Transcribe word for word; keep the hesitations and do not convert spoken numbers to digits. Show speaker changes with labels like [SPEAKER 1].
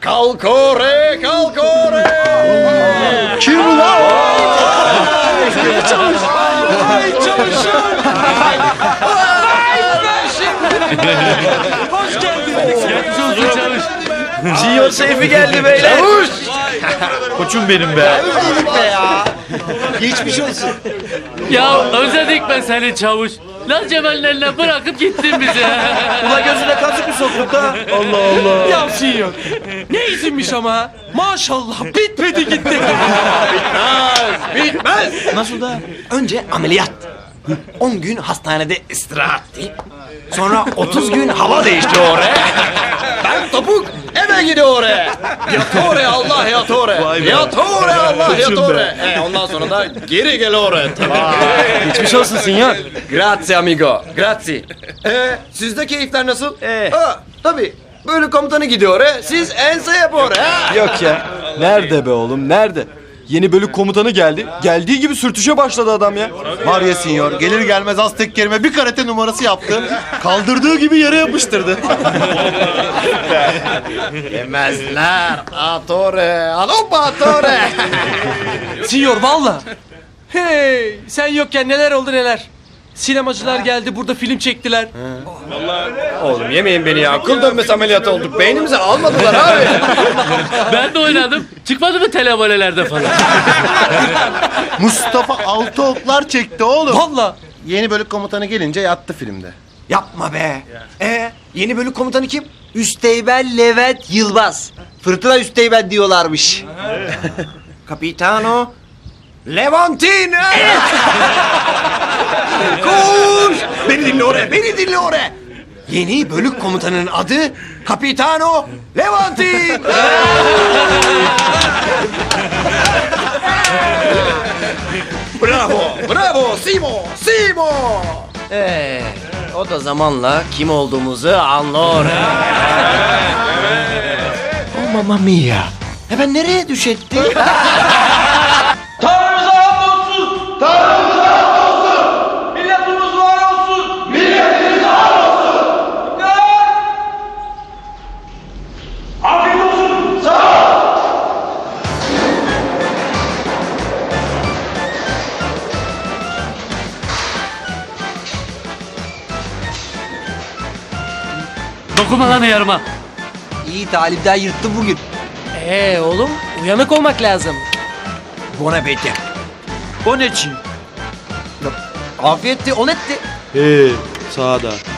[SPEAKER 1] Kalk ore, kalk ore.
[SPEAKER 2] Kim bu lan?
[SPEAKER 1] Çavuş. Vay çavuşum.
[SPEAKER 3] Hoş geldiniz.
[SPEAKER 4] Geçmiş olsun çavuş.
[SPEAKER 2] Sinyor Seyfi geldi beyler.
[SPEAKER 1] Çavuş.
[SPEAKER 4] Koçum benim be.
[SPEAKER 2] Geçmiş olsun.
[SPEAKER 4] Ya özledik ben seni çavuş. Lan Cemal'in eline bırakıp gittin bizi.
[SPEAKER 2] Ula gözüne kazık mı soktuk ha? Allah Allah.
[SPEAKER 3] Ya Sinyor. Ne izinmiş ama. Maşallah bitmedi gitti.
[SPEAKER 1] Bitmez.
[SPEAKER 5] Nasıl da? Önce ameliyat. on gün hastanede istirahat. Sonra otuz gün hava değişti oraya.
[SPEAKER 1] Ben topuk eve gidiyor oraya. Yat oraya Allah yat oraya.
[SPEAKER 4] Vay be.
[SPEAKER 1] Yat oraya Allah yat
[SPEAKER 4] Koçum be.
[SPEAKER 1] oraya. E, ondan sonra da geri gel oraya.
[SPEAKER 2] Geçmiş olsun Sinyor.
[SPEAKER 1] Grazie amigo. Grazie. E, sizde keyifler nasıl?
[SPEAKER 2] Eh.
[SPEAKER 1] Ha, tabii. Bölük komutanı gidiyor oraya. Siz ense yap oraya.
[SPEAKER 6] Yok ya. Nerede be oğlum nerede? Yeni bölük komutanı geldi. Geldiği gibi sürtüşe başladı adam ya.
[SPEAKER 7] Var ya sinyor, gelir gelmez Aztek Kerim'e bir karate numarası yaptı. Kaldırdığı gibi yere yapıştırdı.
[SPEAKER 1] Yemezler. Atore. Alopa atore.
[SPEAKER 3] Sinyor valla. Hey sen yokken neler oldu neler. Sinemacılar geldi burada film çektiler.
[SPEAKER 1] Oğlum yemeyin beni ya. Kıl dönmesi ameliyatı olduk. Beynimizi almadılar abi.
[SPEAKER 4] Ben de oynadım. Çıkmadı mı televolelerde falan?
[SPEAKER 7] Mustafa altı oklar çekti oğlum.
[SPEAKER 3] Valla.
[SPEAKER 7] Yeni bölük komutanı gelince yattı filmde.
[SPEAKER 5] Yapma be. Ee, yeni bölük komutanı kim? Üsteğmen Levent Yılmaz. Fırtına Üsteğmen diyorlarmış. Capitano Levantino. Koş! Beni dinle oraya, beni dinle oraya. Yeni bölük komutanının adı Capitano Levantin.
[SPEAKER 1] Bravo. Bravo. Simo. Simo.
[SPEAKER 5] Ee, o da zamanla kim olduğumuzu anlar. Oh mamma mia. E ben nereye düşettim?
[SPEAKER 8] Milletimiz var olsun! Milletimiz var olsun! Afiyet olsun! Sağ ol!
[SPEAKER 4] Dokunma lan yarıma.
[SPEAKER 5] İyi talipten yırttım bugün.
[SPEAKER 3] Ee oğlum uyanık olmak lazım.
[SPEAKER 5] Buon appetito.
[SPEAKER 6] O ne çi?
[SPEAKER 5] Afiyetti, on etti.
[SPEAKER 6] He, sağda.